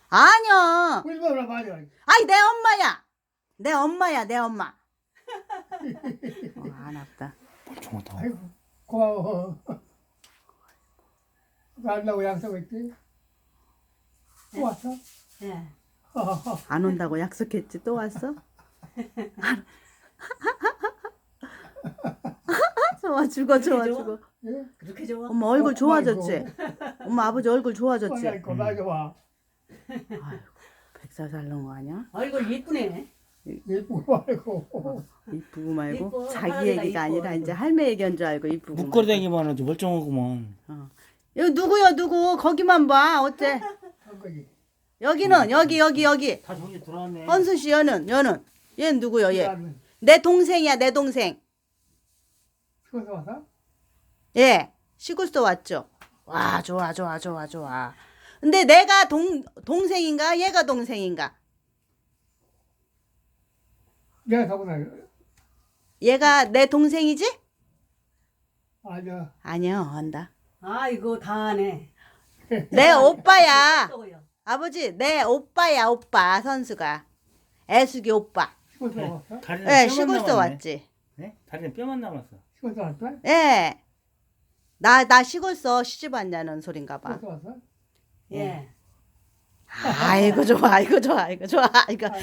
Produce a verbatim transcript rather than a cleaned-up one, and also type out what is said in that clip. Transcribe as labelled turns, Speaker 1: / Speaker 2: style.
Speaker 1: 아니야.
Speaker 2: 울지 마라 말이야.
Speaker 1: 아이 내 엄마야. 내 엄마야 내 엄마. 어, 안 아프다.
Speaker 3: 멀쩡하다.
Speaker 2: 아이고 고마워. 간다고 약속했지? 또 왔어?
Speaker 4: 예.
Speaker 1: 안 온다고 약속했지 또 왔어? 좋아 죽어 좋아
Speaker 4: 그렇게 좋아?
Speaker 1: 죽어.
Speaker 2: 예?
Speaker 4: 그렇게 좋아?
Speaker 1: 엄마 얼굴
Speaker 2: 어,
Speaker 1: 좋아졌지? 엄마 아버지 얼굴 좋아졌지?
Speaker 2: 아이고 나 좋아.
Speaker 1: 아이고 백살 살는 거 아니야?
Speaker 4: 얼굴 이쁘네.
Speaker 2: 예쁘고 말고.
Speaker 1: 이쁘고 말고
Speaker 4: 이뻐.
Speaker 1: 자기
Speaker 4: 하늘이가
Speaker 1: 얘기가
Speaker 4: 이뻐,
Speaker 1: 아니라
Speaker 4: 얼굴.
Speaker 1: 이제 할매 얘기한 줄 알고 이쁘고 말고.
Speaker 3: 묶어대기만 해도 멀쩡하구만.
Speaker 1: 어. 여기 누구요 누구 거기만 봐 어째
Speaker 2: 한 거지.
Speaker 1: 여기는 여기 여기 여기
Speaker 3: 다 정리 들어왔네.
Speaker 1: 헌수 씨 여는 여는 얘는 누구요 얘
Speaker 2: 나는
Speaker 1: 내 동생이야 내 동생
Speaker 2: 죽어서 왔어?
Speaker 1: 예 시골서 왔죠 와 좋아 좋아 좋아 좋아 근데 내가 동 동생인가 얘가 동생인가
Speaker 2: 내가 가보나.
Speaker 1: 얘가 내 동생이지
Speaker 2: 아니야.
Speaker 1: 아니야 한다
Speaker 4: 아이고 다 하네.
Speaker 1: 내 오빠야
Speaker 4: 또요.
Speaker 1: 아버지 내 오빠야 오빠 선수가 애숙이 오빠
Speaker 2: 죽어서 왔어?
Speaker 3: 다리는
Speaker 1: 예
Speaker 3: 뼈만
Speaker 1: 시골서
Speaker 3: 남았네.
Speaker 1: 왔지
Speaker 3: 네? 다리는 뼈만 남았어.
Speaker 2: 죽어서 왔어?
Speaker 1: 예. 나, 나 시골서 시집 왔냐는 소린가 봐.
Speaker 2: 죽어서 왔어?
Speaker 4: 예.
Speaker 1: 아이고, 좋아, 아이고, 좋아, 아이고, 좋아, 아이고.